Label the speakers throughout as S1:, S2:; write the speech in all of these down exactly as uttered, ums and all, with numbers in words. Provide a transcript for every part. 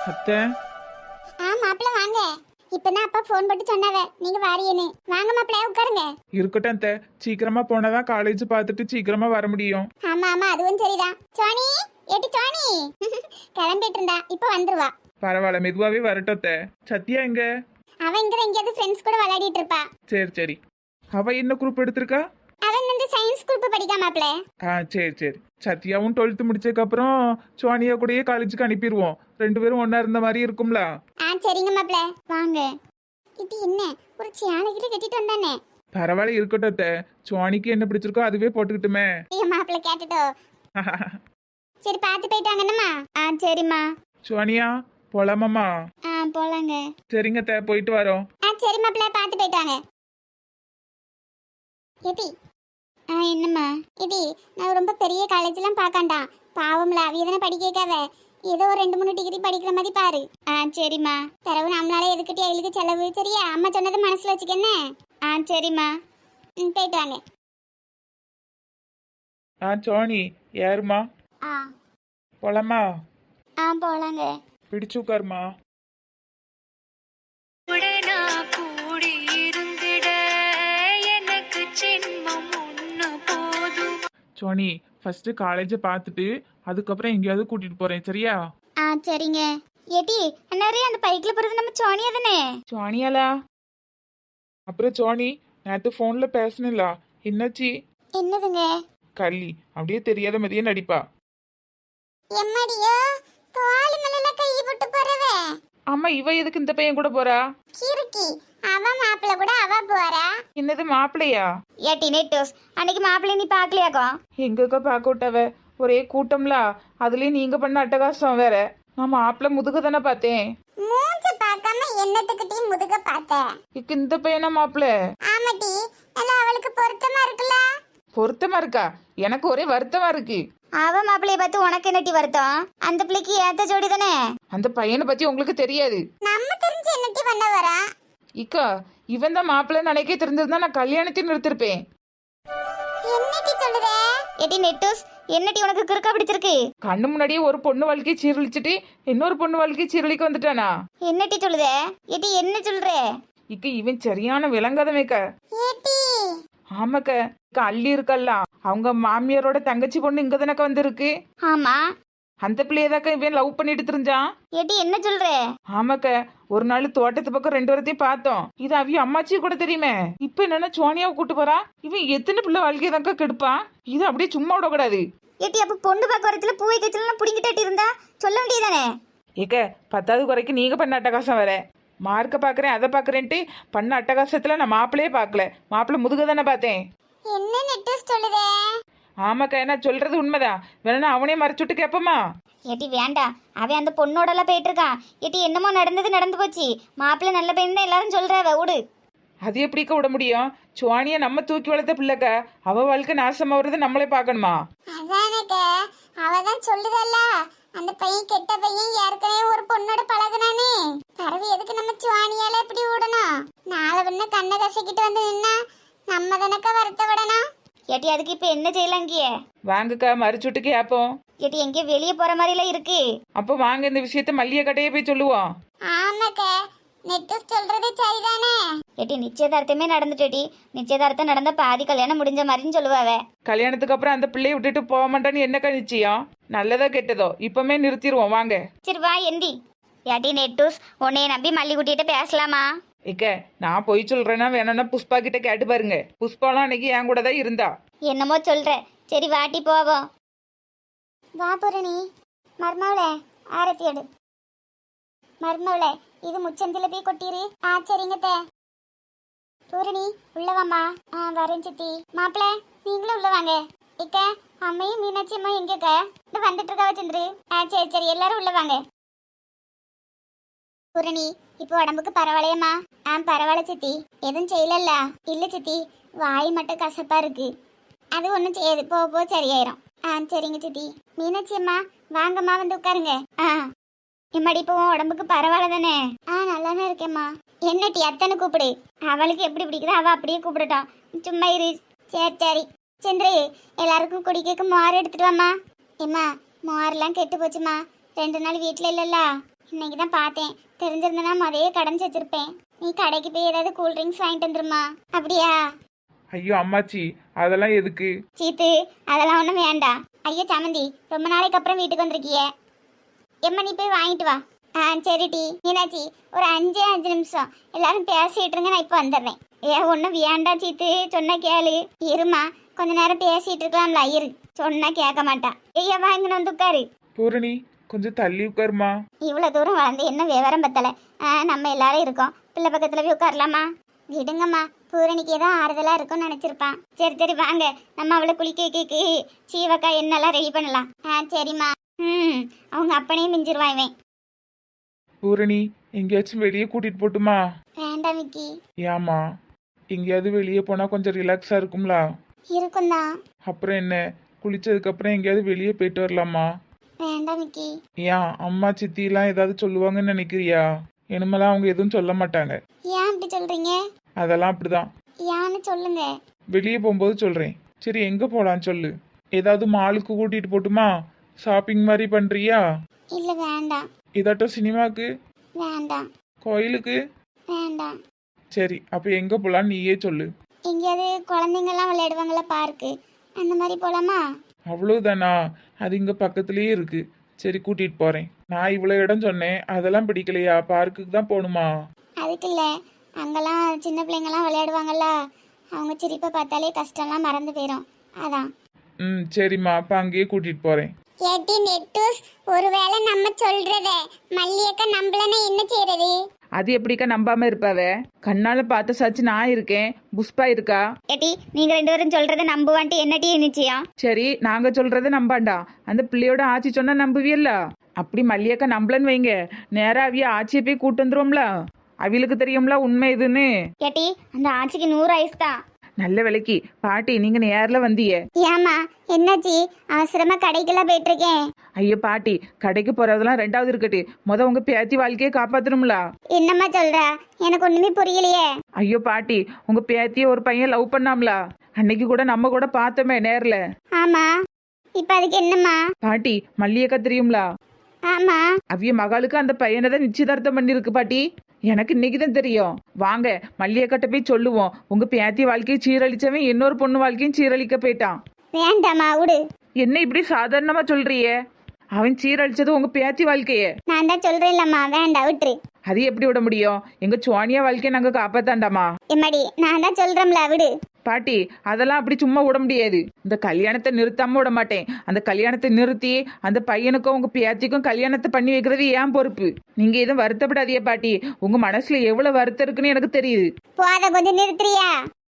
S1: அத்தை.
S2: ஆ மாப்பிள்ள வாங்க. இப்பதான் அப்பா ஃபோன் போட்டு சொன்னாவே நீங்க வாரியேன்னு. வாங்க மாப்பிள்ள உட்காருங்க.
S1: இருக்கட்டும் அத்தை, சீக்கிரமா போனாதான் காலேஜ் பார்த்துட்டு சீக்கிரமா வர முடியும்.
S2: ஆமா ஆமா அதுவும் சரிதான். சோனி ஏட்டி சோனி கிளம்பிட்டு இருந்தா இப்ப வந்துருவா.
S1: பரவாயில்ல, மெதுவாவே வரட்டும் அத்தை. சத்யா எங்க?
S2: அவன் இங்க எங்கேயாவது ஃப்ரெண்ட்ஸ் கூட விளையாடிட்டு இருப்பா.
S1: சரி சரி. அவ என்ன குரூப் எடுத்திருக்கா?
S2: அவன் வந்து சயின்ஸ் குரூப் படிக்கா மாப்பிள்ள.
S1: ஆ சரி சரி. சத்யாவும் டுவெல்த் முடிச்சதுக்கு அப்புறம் சோனியா கூடயே காலேஜுக்கு அனுப்பிடுவோம். ரெண்டு பேரும் ஒன்னா இருந்த மாதிரி இருக்கும்ல.
S2: ஆ சரிங்க மாப்பிள்ள வாங்க. இது என்ன ஒரு சேலை கிட்ட கட்டிட்டு வந்தானே.
S1: பரவாயில்ல, இருக்கட்டும் அத்தை. சோனிக்கு என்ன பிடிச்சிருக்கோ அதுவே போட்டுக்கிட்டுமே.
S2: ஐயோ மாப்பிள்ள கேட்டுட்டோ. சரி பார்த்து போயிட்டாங்கன்னம்மா. ஆ சரிம்மா.
S1: சோனியா போலாமாம்மா?
S2: ஆ போலாங்க.
S1: சரிங்க அத்தை, போயிட்டு வரோம்.
S2: ஆ சரி மாப்பிள்ள பார்த்து போயிட்டாங்க. எடி ஆ என்னம்மா எடி, நான் ரொம்ப பெரிய காலேஜ்லாம் பார்க்காண்டா. பாவம்ல அவ எதனா படிக்க வைக்காத. ஏதோ ஒரு ரெண்டு மூணு டிகிரி படிக்கிற மாதிரி பாரு. ஆ சரிம்மா. தரவு நம்மளால எதுக்கிட்டே அவளுக்கு செலவு. சரியா? அம்மா சொன்னதை மனசுல வச்சுக்கன்னு. ஆ சரிம்மா. ம் போயிட்டு வாங்க.
S1: ஆ சோனி யாருமா?
S2: ஆ
S1: போலாமா?
S2: ஆ போலாங்க.
S1: பிடிச்சு உட்காருமா. சோனி ஃபர்ஸ்ட் காலேஜை பார்த்துட்டு அதுக்கப்புறம் எங்கேயாவது கூட்டிட்டு போறேன், சரியா?
S2: ஆ சரிங்க. ஏடி அண்ணாரே அந்த பைக்ல போறது நம்ம சோனியா தானே?
S1: சோனியாலா? அப்புறம் சோனி நேற்று ஃபோன்ல பேசணும்ல, என்னாச்சு?
S2: என்னதுங்க?
S1: கள்ளி அப்படியே தெரியாத மாதிரியே நடிப்பா.
S2: எம்மடியோ தோள் மேல கை போட்டு போறவே.
S1: ஆமா, இவ எதுக்கு இந்த பையன் கூட போறா?
S2: கிறுக்கி அவ மாப்பிள்ள கூட அவ போறா.
S1: என்னது மாப்பிள்ளையா?
S2: ஏட்டி நெட்டோஸ் அன்னைக்கு மாப்பிள்ளை நீ பாக்கலையாக்கோ?
S1: எங்கக்கா பார்க்க விட்டவ, ஒரே கூட்டம்ல. அதுலயும் நீங்க பண்ண அட்டகாசம் வேற. நான் மாப்பிள்ளை முதுக தானே பார்த்தேன்.
S2: மூஞ்ச பார்க்காம என்னத்துக்கிட்டே முதுக பார்த்த?
S1: இக்கு இந்த பையனா மாப்பிள்ளை?
S2: ஆமாட்டி, எல்லாம் அவளுக்கு பொருத்தமா இருக்குல்ல?
S1: பொருத்தமா இருக்கா? எனக்கு ஒரே வருத்தமா இருக்கு.
S2: அவ மாப்பிள்ளைய பார்த்து உனக்கு என்னட்டி வருத்தம்? அந்த பிள்ளைக்கு ஏத்த ஜோடி தானே.
S1: அந்த பையனை பத்தி உங்களுக்கு தெரியாது.
S2: நம்ம தெரிஞ்சு என்னட்டி பண்ண வரா?
S1: இக்கா இவன் தான் மாப்பிள்ளை நினைக்க தெரிஞ்சிருந்தா நான் கல்யாணத்தையும் நிறுத்திருப்பேன்.
S2: என்னட்டி சொல்லுதே? ஏட்டி நெட்டோஸ் என்னட்டி உனக்கு கிறுக்கா பிடிச்சிருக்கு?
S1: கண்ணு முன்னாடியே ஒரு பொண்ணு வாழ்க்கையை சீரழிச்சிட்டு இன்னொரு பொண்ணு வாழ்க்கையை சீரழிக்க வந்துட்டானா?
S2: என்னட்டி சொல்லுதே? ஏட்டி என்ன சொல்ற?
S1: இக்க இவன் சரியான விளங்காதமேக்க.
S2: ஏட்டி
S1: ஆமாக்க, இக்க அள்ளி இருக்கல்ல, அவங்க மாமியாரோட தங்கச்சி பொண்ணு இங்க தானக்க வந்திருக்கு.
S2: ஆமா,
S1: அந்த பிள்ளையதாக்க இவன் லவ் பண்ணிட்டு தெரிஞ்சான்.
S2: ஏட்டி என்ன சொல்ற?
S1: ஆமாக்க, ஒரு நாள் தோட்டத்து பக்கம் ரெண்டு வரத்தையும் பார்த்தோம். இது அவிய அம்மாச்சி கூட தெரியுமே. இப்ப என்னன்னா சோனியாவை கூட்டு போறா. இவன் எத்தனை பிள்ளை வாழ்க்கையை தாக்க கெடுப்பான். இது அப்படியே சும்மா விடக்கூடாது.
S2: ஏட்டி அப்ப பொண்ணு பார்க்க வரத்துல பூவை கச்சலாம் புடிங்கிட்டு இருந்தா சொல்ல வேண்டியதானே?
S1: ஏக்க பத்தாவது குறைக்கு நீங்க பண்ண அட்டகாசம் வேற. மார்க்க பாக்குறேன் அதை பாக்குறேன்ட்டு பண்ண அட்டகாசத்துல நான் மாப்பிள்ளையே பாக்கல. மாப்பிள்ளை முதுக தானே பார்த்தேன்.
S2: என்ன நெட்டஸ் சொல்லுதே?
S1: ஆமாக்கா, என்ன சொல்றது உண்மைதான். வேணா அவனே மறைச்சுட்டு கேப்பமா?
S2: ஏட்டி வேண்டாம், அவன் அந்த பொண்ணோட எல்லாம் போயிட்டு இருக்கான். ஏட்டி என்னமோ நடந்தது நடந்து போச்சு. மாப்பிள்ளை நல்ல பையன் தான் எல்லாரும் சொல்றாவ, விடு.
S1: அது எப்படிக்க விட முடியும்? சுவானிய நம்ம தூக்கி வளர்த்த பிள்ளைக்க அவ வாழ்க்கை நாசமாவது நம்மளே பார்க்கணுமா?
S2: அதானே அவதான் சொல்லுதல்ல, அந்த பையன் கெட்ட பையன் ஏற்கனவே ஒரு பொண்ணோட பழகுனானே. பரவி எதுக்கு நம்ம சுவானியால இப்படி விடணும்? நாளை பின்ன கண்ணை கசக்கிட்டு வந்து நின்னா நம்ம தானக்க வருத்த விடணும். ஏட்டி அதுக்கு இப்ப என்ன செய்யலாம்? இங்கேயே
S1: வாங்கக்கா, மறைச்சுட்டு கேப்போம்.
S2: ஏட்டி எங்கேயோ வெளியே போற மாதிரி எல்லாம் இருக்கு.
S1: அப்ப வாங்க இந்த விஷயத்த மல்லிய கடையே போய் சொல்லுவோம்.
S2: ஆமாக்க, நெட்டஸ் சொல்றது சரிதானே. ஏட்டி நிச்சயதார்த்தமே நடந்துட்டேட்டி. நிச்சயதார்த்தம் நடந்த பாதி கல்யாணம் முடிஞ்ச மாதிரின்னு சொல்லுவாவ.
S1: கல்யாணத்துக்கு அப்புறம் அந்த பிள்ளைய விட்டுட்டு போக மாட்டான்னு என்னக்கா நிச்சயம்? நல்லதோ கெட்டதோ இப்பமே நிறுத்திடுவோம் வாங்க.
S2: சரி வா எந்தி. ஏட்டி நெட்டூஸ் உன்னைய நம்பி மல்லி குட்டிகிட்ட பேசலாமா?
S1: இக்க நான் போய் சொல்றேன்னா வேணும்னா புஷ்பா கிட்ட கேட்டு பாருங்க. புஷ்பாலாம் அன்னைக்கு என் கூட தான் இருந்தா.
S2: என்னமோ சொல்ற. சரி வாட்டி போவோம். வா பூரணி. மர்மவளே ஆரத்தி எடு. மர்மவளே இது முச்சந்தில போய் கொட்டிரு. ஆ சரிங்க தே. பூரணி உள்ள வாமா. ஆ வரேன் சித்தி. மாப்பிள்ள நீங்களும் உள்ள வாங்க. இக்க அம்மையும் மீனாட்சி அம்மா எங்கக்க? இந்த வந்துட்டு இருக்கா சந்திரு. ஆ சரி சரி எல்லாரும் உள்ள வாங்க. பூரணி இப்போ உடம்புக்கு பரவாயில்லையம்மா? ஆ பரவாயில்ல சித்தி. எதுவும் செய்யலல்ல? இல்ல சித்தி, வாய் மட்டும் கசப்பா இருக்கு. அது ஒன்றும் செய்யாது, போ போ சரியாயிரும். ஆ சரிங்க சித்தி. மீனாட்சி அம்மா வாங்கம்மா வந்து உட்காருங்க. ஆ எம்மாடி இப்போ உடம்புக்கு பரவாயில்ல தானே? ஆ நல்லா தான் இருக்கேம்மா. என்னட்டி அத்தனை கூப்பிடு. அவளுக்கு எப்படி பிடிக்குதோ அவள் அப்படியே கூப்பிடட்டும். சும்மா இரு. சரி சரி. சந்திரி எல்லாருக்கும் குடிக்க மோர் எடுத்துட்டு வாம்மா. ஏம்மா மோரெல்லாம் கெட்டு போச்சுமா. ரெண்டு நாள் வீட்டில் இல்லைல்ல, இன்னைக்கு தான் பார்த்தேன். தெரிஞ்சிருந்தனா முதையே கடைஞ்சி வச்சிருப்பேன். நீ கடைக்கு போய் ஏதாவது கூல் ட்ரிங்க்ஸ் வாங்கிட்டு வந்துருமா. அப்படியா?
S1: ஐயோ அம்மாச்சி, அதெல்லாம் எதுக்கு?
S2: சீத்து, அதெல்லாம் ஒன்றும் வேண்டாம். ஐயோ சமந்தி, ரொம்ப நாளைக்கு அப்புறம் வீட்டுக்கு வந்திருக்கியே. எம்மா நீ போய் வாங்கிட்டு வா. ஆ சரி டி. மீனாட்சி, ஒரு அஞ்சே அஞ்சு நிமிஷம் எல்லாரும் பேசிட்டு இருங்க, நான் இப்போ வந்துடுறேன். ஏ ஒன்றும் வேண்டாம் சீத்து, சொன்னா கேளு. இருமா, கொஞ்ச நேரம் பேசிட்டு இருக்கலாம்ல. இரு, சொன்னா கேட்க மாட்டான். ஐயா வாங்கின வந்து உட்காரு.
S1: பூரணி, கொஞ்சம் தள்ளி உட்காருமா.
S2: இவ்வளோ தூரம் வளர்ந்து என்ன விவரம் பத்தலை. ஆ நம்ம எல்லாரும் இருக்கோம், பிள்ளை பக்கத்தில் போய் உட்காரலாமா? விடுங்கம்மா, பூரணிக்கு ஏதோ ஆறுதலாக இருக்கும்னு நினச்சிருப்பான். சரி சரி வாங்க, நம்ம அவளை குளிக்க வைக்க சீவக்கா என்னெல்லாம் ரெடி பண்ணலாம். ஆ சரிம்மா. ம் அவங்க அப்பனையும் மிஞ்சிருவான் இவன்.
S1: பூரணி, எங்கேயாச்சும் வெளியே கூட்டிட்டு போட்டுமா?
S2: வேண்டாம் விக்கி.
S1: ஏமா, எங்கேயாவது வெளியே போனா கொஞ்சம் ரிலாக்ஸா இருக்கும்ல.
S2: இருக்கும் தான்.
S1: அப்புறம் என்ன, குளிச்சதுக்கு அப்புறம் எங்கேயாவது வெளியே போயிட்டு வரலாமா?
S2: வேண்டாம் விக்கி.
S1: ஏன் அம்மா சித்திலாம் ஏதாவது சொல்லுவாங்கன்னு நினைக்கிறியா? இனிமேலாம் அவங்க எதுவும் சொல்ல மாட்டாங்க.
S2: ஏன் அப்படி சொல்றீங்க?
S1: அதெல்லாம் அப்படிதான்.
S2: ஏன்னு சொல்லுங்க.
S1: வெளியே போகும்போது சொல்றேன். சரி, எங்க போலாம் சொல்லு. ஏதாவது மாலுக்கு கூட்டிட்டு போட்டுமா? ஷாப்பிங் மாதிரி பண்றியா?
S2: இல்ல வேண்டாம்.
S1: இதாட்டம் சினிமாக்கு?
S2: வேண்டாம்.
S1: கோயிலுக்கு?
S2: வேண்டாம்.
S1: சரி, அப்ப எங்க போலாம் நீயே சொல்லு.
S2: எங்கேயாவது குழந்தைங்கெல்லாம் விளையாடுவாங்களா, பார்க்கு அந்த மாதிரி போலாமா?
S1: அவ்வளவுதானா? அது இங்க பக்கத்துலயே இருக்கு. சரி, கூட்டிட்டு போறேன். நான் இவ்வளவு இடம் சொன்னேன், அதெல்லாம் பிடிக்கலையா? பார்க்குக்கு தான் போகணுமா?
S2: அதுக்கு இல்லை, அங்கெல்லாம் சின்ன பிள்ளைங்கெல்லாம் விளையாடுவாங்கல்ல, அவங்க சிரிப்பை பார்த்தாலே கஷ்டம்லாம் மறந்து போயிடும், அதான்.
S1: ம் சரிம்மா, அப்ப அங்கேயே கூட்டிட்டு போறேன்.
S2: ஏட்டி நெட்டூஸ், ஒருவேளை நம்ம சொல்றத மல்லியக்கா நம்பலன்னா என்ன செய்யறது?
S1: அது எப்படிக்கா நம்பாம இருப்பாவ? கண்ணால பார்த்த சாச்சு நான் இருக்கேன், புஷ்பா இருக்கா.
S2: ஏட்டி நீங்க ரெண்டு பேரும் சொல்றத நம்புவான்ட்டு என்னட்டி நிச்சயம்?
S1: சரி, நாங்க சொல்றத நம்பாண்டா, அந்த பிள்ளையோட ஆச்சி சொன்னா நம்புவியல்ல. அப்படி மல்லியக்கா நம்பலன்னு வைங்க, நேரா அவிய ஆச்சியை போய் கூட்டு வந்துருவோம்ல. அவிகளுக்கு தெரியும்ல உண்மை இதுன்னு.
S2: ஏட்டி அந்த ஆச்சிக்கு நூறு ஐஸ் தான்.
S1: நல்ல விலைக்கு பாட்டி, நீங்க நேர்ல வந்தியே.
S2: ஏமா என்னாச்சு? அவசரமா கடைக்கெல்லாம் போயிட்டு இருக்கேன்.
S1: ஐயோ பாட்டி, கடைக்கு போறதெல்லாம் ரெண்டாவது இருக்கட்டு, முத உங்க பேத்தி வாழ்க்கையை காப்பாத்தணும்ல.
S2: என்னம்மா சொல்ற? எனக்கு ஒண்ணுமே புரியலையே.
S1: ஐயோ பாட்டி, உங்க பேத்திய ஒரு பையன் லவ் பண்ணாம்ல, அன்னைக்கு கூட நம்ம கூட பார்த்தோமே நேர்ல.
S2: ஆமா, இப்ப அதுக்கு என்னம்மா?
S1: பாட்டி, மல்லியக்கா தெரியும்ல?
S2: ஆமா.
S1: அவிய மகளுக்கு அந்த பையனை தான் நிச்சயதார்த்தம் பண்ணிருக்கு பாட்டி. எனக்கு இன்னைக்கு தான் தெரியும். வாங்க மல்லியக்கட்ட போய் சொல்லுவோம், உங்க பேத்தி வாழ்க்கையை சீரழிச்சவன் இன்னொரு பொண்ணு வாழ்க்கையும் சீரழிக்க போயிட்டான்.
S2: வேண்டாமா, விடு.
S1: என்ன இப்படி சாதாரணமா சொல்றியே? அவன் சீரழிச்சது உங்க பேத்தி வாழ்க்கைய.
S2: நான் தான் சொல்றேன்லம்மா, வேண்டாம் விட்டுரு.
S1: அது எப்படி விட முடியும்? எங்க சோனியா வாழ்க்கையை நாங்க காப்பாத்தாண்டாமா?
S2: எம்மாடி, நான் தான் சொல்றேன்ல, விடு.
S1: பாட்டி, அதெல்லாம் அப்படி சும்மா விட முடியாது. இந்த கல்யாணத்தை நிறுத்தாம விட மாட்டேன். அந்த கல்யாணத்தை நிறுத்தி அந்த பையனுக்கும் உங்க பேத்திக்கும் கல்யாணத்தை பண்ணி வைக்கிறது ஏன் பொறுப்பு. நீங்க எதுவும் வருத்தப்படாதீங்க பாட்டி, உங்க மனசுல எவ்வளவு வருத்தம் இருக்குன்னு எனக்கு தெரியுது.
S2: போத கொஞ்சம் நிறுத்துறியா?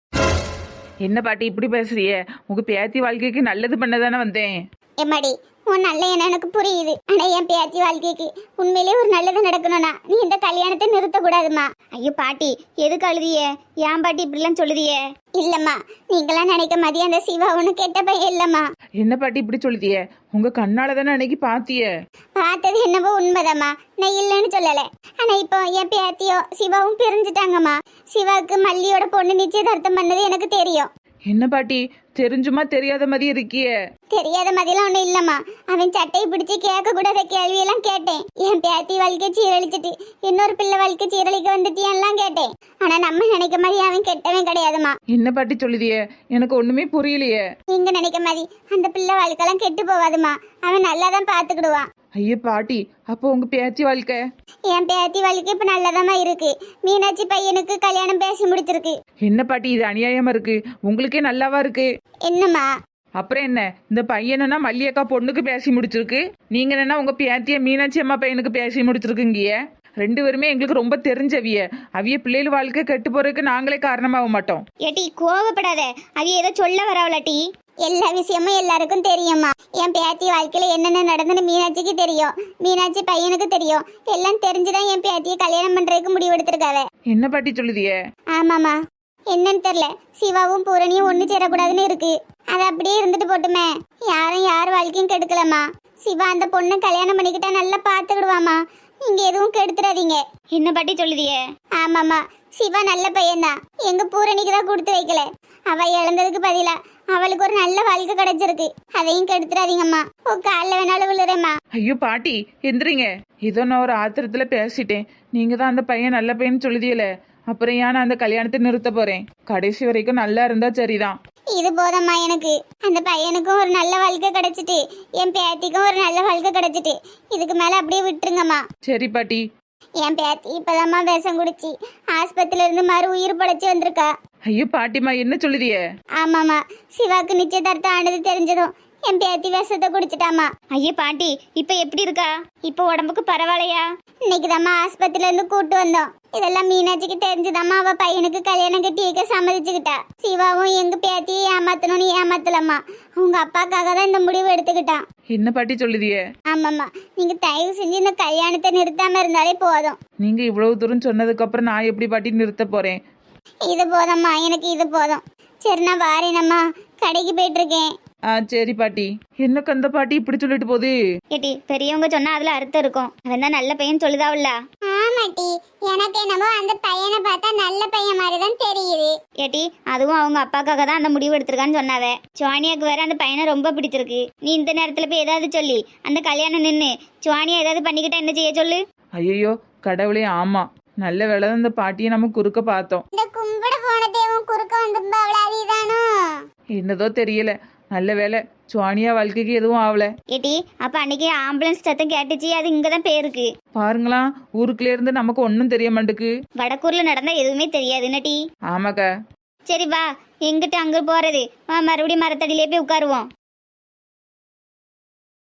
S1: என்ன பாட்டி இப்படி பேசுறிய? உங்க பேத்தி வாழ்க்கைக்கு நல்லது பண்ணதானே வந்தேன்.
S2: எம்மாடி, உன் நல்ல என்ன எனக்கு புரியுது. ஆனா என் பேத்தி வாழ்க்கைக்கு உண்மையிலே ஒரு நல்லது நடக்கணும்னா நீ இந்த கல்யாணத்தை நிறுத்த கூடாதுமா. ஐயோ பாட்டி, எதுக்கு அழுதிய? ஏன் பாட்டி இப்படிலாம் சொல்லுதிய? இல்லம்மா, நீங்களாம் நினைக்க மாதிரி அந்த சிவா ஒண்ணு கெட்ட பையன் இல்லம்மா.
S1: என்ன பாட்டி இப்படி சொல்லுதிய? உங்க கண்ணால தானே அன்னைக்கு பாத்திய.
S2: பார்த்தது என்னவோ உண்மைதாம்மா, நான் இல்லைன்னு சொல்லல. ஆனா இப்போ என் பேத்தியோ சிவாவும் பிரிஞ்சுட்டாங்கம்மா. சிவாவுக்கு மல்லியோட பொண்ணு நிச்சயதார்த்தம் பண்ணது எனக்கு தெரியும்.
S1: என்ன பாட்டி, தெரிஞ்சுமா தெரியாத மாதிரி இருக்கிய?
S2: தெரியாத மாதிரிலாம் ஒண்ணும் இல்லம்மா. அவன் சட்டையை பிடிச்சி கேட்க கூடாத கேள்வியெல்லாம் கேட்டேன். என் பேத்தி வாழ்க்கை சீரழிச்சிட்டு இன்னொரு பிள்ளை வாழ்க்கை சீரழிக்க வந்துட்டியான்லாம் கேட்டேன். ஆனா நம்ம நினைக்க மாதிரி அவன் கெட்டவன் கிடையாதுமா.
S1: என்ன பாட்டி சொல்லுதிய? எனக்கு ஒண்ணுமே புரியலையே.
S2: நீங்க நினைக்க மாதிரி அந்த பிள்ளை வாழ்க்கைலாம் கெட்டு போவாதுமா. அவன் நல்லாதான் பாத்துக்கிடுவான்.
S1: ஐயோ பாட்டி, அப்போ உங்க பேத்தி வாழ்க்கை?
S2: என் பேத்தி வாழ்க்கை இப்ப நல்லதாமா இருக்கு. மீனாட்சி பையனுக்கு கல்யாணம் பேசி முடிச்சிருக்கு.
S1: என்ன பாட்டி, இது அநியாயமா இருக்கு. உங்களுக்கே நல்லாவா இருக்கு?
S2: என்னம்மா?
S1: அப்புறம் என்ன, இந்த பையனா மல்லியக்கா பொண்ணுக்கு பேசி முடிச்சிருக்கு, நீங்க என்ன உங்க பேத்திய மீனாட்சி அம்மா பையனுக்கு பேசி முடிச்சிருக்குங்கிய. ரெண்டு பேருமே எங்களுக்கு ரொம்ப தெரிஞ்சவிய. அவிய பிள்ளைகள் வாழ்க்கை கெட்டு போறதுக்கு நாங்களே காரணமாக மாட்டோம்.
S2: ஏட்டி கோவப்படாத, அவிய ஏதோ சொல்ல வரவளாட்டி. எல்லா விஷயமும் எல்லாருக்கும் தெரியுமா. என் பேத்தி வாழ்க்கையில என்னென்ன நடந்துன்னு மீனாட்சிக்கு தெரியும், மீனாட்சி பையனுக்கு தெரியும். எல்லாம் தெரிஞ்சுதான் என் பேத்தியை கல்யாணம் பண்றதுக்கு முடிவெடுத்திருக்காவ.
S1: என்ன பாட்டி சொல்லுதிய?
S2: ஆமாமா, என்னன்னு தெரியல. சிவாவும் பூரணியும் ஒண்ணு சேரக்கூடாதுன்னு இருக்கு. அது அப்படியே இருந்துட்டு போட்டுமே. யாரும் யார் வாழ்க்கையும் கெடுக்கலமா. சிவா அந்த பொண்ணை கல்யாணம் பண்ணிக்கிட்டா நல்லா பாத்துக்கிடுவாமா. நீங்க எதுவும் கெடுத்துறாதீங்க. என்ன பாட்டி சொல்லுதிய? ஆமாமா, சிவா நல்ல பையன்தான். எங்க பூரணிக்கு தான் கொடுத்து வைக்கல. அவ இழந்ததுக்கு பதிலா அவளுக்கு ஒரு நல்ல வாழ்க்கை கிடைச்சிருக்கு. அதையும் கெடுத்துறாதீங்கம்மா. ஓ காலில் வேணாலும் விழுறேம்மா.
S1: ஐயோ பாட்டி எந்திரிங்க. ஏதோ நான் ஒரு ஆத்திரத்துல பேசிட்டேன். நீங்க தான் அந்த பையன் நல்ல பையன் சொல்லுதியல, அப்புறம் ஏன் நான் அந்த கல்யாணத்தை நிறுத்த போறேன்? கடைசி வரைக்கும் நல்லா இருந்தா சரிதான்.
S2: இது போதம்மா எனக்கு. அந்த பையனுக்கும் ஒரு நல்ல வாழ்க்கை கிடைச்சிட்டு என் பேத்திக்கும் ஒரு நல்ல வாழ்க்கை கிடைச்சிட்டு இதுக்கு மேல அப்படியே விட்டுருங்கம்மா.
S1: சரி பாட்டி.
S2: என் பேத்தி இப்பதாம்மா விஷம் குடிச்சு ஆஸ்பத்திரியில இருந்து மறு உயிர் படைச்சு வந்திருக்கா.
S1: ஐயோ பாட்டிமா என்ன சொல்லுதிய?
S2: ஆமாம்மா, சிவாக்கு நிச்சயதார்த்தம் ஆனது தெரிஞ்சதும் என் பேத்தி விஷத்தை குடிச்சிட்டாமா.
S3: ஐயே பாட்டி இப்ப எப்படி இருக்கா? இப்ப உடம்புக்கு பரவாயில்லையா?
S2: இன்னைக்கு தாம்மா ஆஸ்பத்திரியில இருந்து கூட்டு வந்தோம். இதெல்லாம் மீனாட்சிக்கு தெரிஞ்சுதாம்மா அவ பையனுக்கு கல்யாணம் கட்டி வைக்க சம்மதிச்சுக்கிட்டா. சிவாவும் எங்க பேத்தியை ஏமாத்தணும்னு ஏமாத்தலம்மா. அவங்க அப்பாக்காக தான் இந்த முடிவு எடுத்துக்கிட்டான்.
S1: என்ன பாட்டி சொல்லுதிய?
S2: ஆமாம்மா, நீங்க தயவு செஞ்சு இந்த கல்யாணத்தை நிறுத்தாம இருந்தாலே போதும்.
S1: நீங்க இவ்வளவு தூரம் சொன்னதுக்கு அப்புறம் நான் எப்படி பாட்டி நிறுத்த போறேன்?
S2: இது போதம்மா, எனக்கு இது போதும். சரி நான் வாரேனம்மா, கடைக்கு போயிட்டு இருக்கேன்.
S1: ஆ சரி பாட்டி. என்ன கந்த பாட்டி இப்படி சொல்லிட்டு போகுது?
S3: ஏட்டி பெரியவங்க சொன்னா அதுல அர்த்தம் இருக்கும். அவன் தான் நல்ல பையன் சொல்லுதாவுல்ல.
S2: ஆமாட்டி, எனக்கு என்னமோ அந்த பையனை பார்த்தா நல்ல பையன் மாதிரி தான் தெரியுது.
S3: ஏட்டி அதுவும் அவங்க அப்பாக்காக தான் அந்த முடிவு எடுத்திருக்கான்னு சொன்னாவே. சுவானியாக்கு வேற அந்த பையனை ரொம்ப பிடிச்சிருக்கு. நீ இந்த நேரத்துல போய் ஏதாவது சொல்லி அந்த கல்யாணம் நின்று சுவானியா ஏதாவது பண்ணிக்கிட்டா என்ன செய்ய சொல்லு?
S1: ஐயோ கடவுளே, ஆமா நல்ல வேலை தான் இந்த பாட்டியை நம்ம குறுக்க பார்த்தோம்.
S2: இந்த கும்பிட போன தேவன் குறுக்க வந்து அவளாதிதானோ?
S1: என்னதோ தெரியல. நல்ல வேலை சுவானியா வாழ்க்கைக்கு எதுவும் ஆகல.
S3: ஏட்டி அப்ப அன்னைக்கு ஆம்புலன்ஸ் சத்தம் கேட்டுச்சு, அது இங்கதான் போயிருக்கு.
S1: பாருங்களா, ஊருக்குள்ள இருந்து நமக்கு ஒன்றும் தெரிய மாட்டுக்கு.
S3: வடக்கூர்ல நடந்தா எதுவுமே தெரியாது நட்டி.
S1: ஆமாக்கா.
S3: சரி வா, எங்கிட்ட அங்க போறது? வா மறுபடியும் மரத்தடியிலே போய் உட்காருவோம்.